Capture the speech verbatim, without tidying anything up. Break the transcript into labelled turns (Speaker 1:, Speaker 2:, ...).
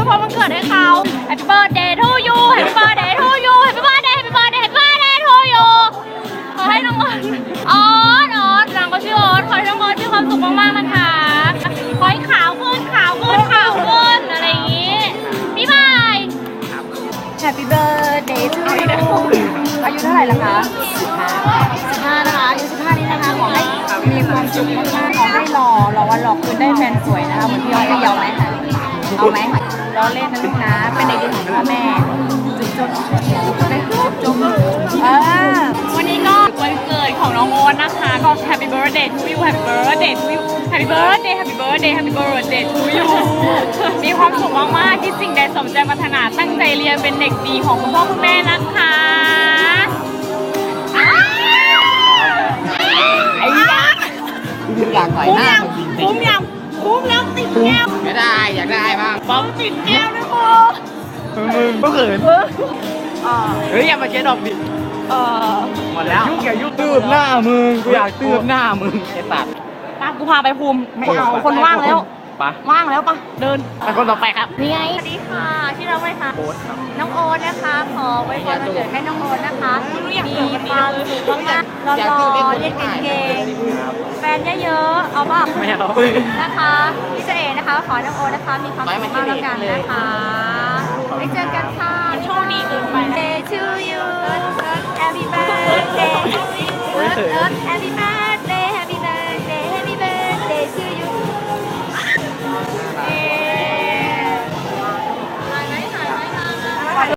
Speaker 1: วยพรวันเกิดให้เขา Happy birthday to you Happy birthday to you Happy birthday Happy birthday Happy birthday to you ขอให้น้องออนออนออนนางก็ชื่อออนขอให้น้องออนมีความสุขมากๆนะคะขอให้ขาวขึ้นขาวขึ้นขาวขึ้นอะไรอย่างงี้บ๊ายบาย Happy birthday to you อายุเท่าไหร่ละคะสิบห้านะคะอายุสิบห้านี้นะคะขอให้มีความสุขมากๆขอให้หล่อหล่อวันหล่อคืนได้แฟนสวยนะคะเหมือนพี่ออนจะยอมไหมคะเอาไหมล้อเล่นนะลูกนะเป็นเด็กดีของพ่อแม่จุ๊บจุ๊บจุ๊บจุ๊บเออวันนี้ก็วันเกิดของน้องโอ๊ตนะคะก็ Happy birthday to you Happy birthday to you Happy birthday Happy birthday Happy birthday to you มีความสุขมากๆที่สิ่งใดสมใจปรารถนาตั้งใจเรียนเป็นเด็กดีของคุณพ่อคุณแม่นะคะไอ้ยา
Speaker 2: อยากต่อยหน้า
Speaker 1: คุ้มยังคุ้มแล้วติดแก้ว
Speaker 2: ไม่ได้อยากได้บ้าง
Speaker 1: ป้องติดแก้วนะโม
Speaker 2: มึงก็เขินเฮ้ยอย่ามาเช็ดดอกดิ
Speaker 1: เออ
Speaker 2: หมดแล้วยุ่งอย่ายุ่งตืบหน้ามึงกูอยากตืบหน้ามึงไอ้สัตว์
Speaker 1: ป้ากูพาไปภูมิไม่เอาคนว่างแล้ว
Speaker 2: ปะ
Speaker 1: ว่างแล้วปะเดิน
Speaker 2: ไปคนต่อไปครับ
Speaker 1: นี่ไงสวัสดีค่ะชื่อเราไหมคะ
Speaker 2: โอ๊ตครับ
Speaker 1: น้องโอ๊ตนะคะขอไว้พรวันเกิดให้น้องโอ๊ตนะคะมีความสุขมากๆรอๆเรียนเก่งๆแฟนเยอะๆเอาป่ะ
Speaker 2: ไม่เอา
Speaker 1: นะคะพี่เจเอนะคะขอให้น้องโอ๊ตนะคะมีความสุขมากๆแล้วกันนะคะไว้เจอกันค่ะโชคดีเกินไปเจ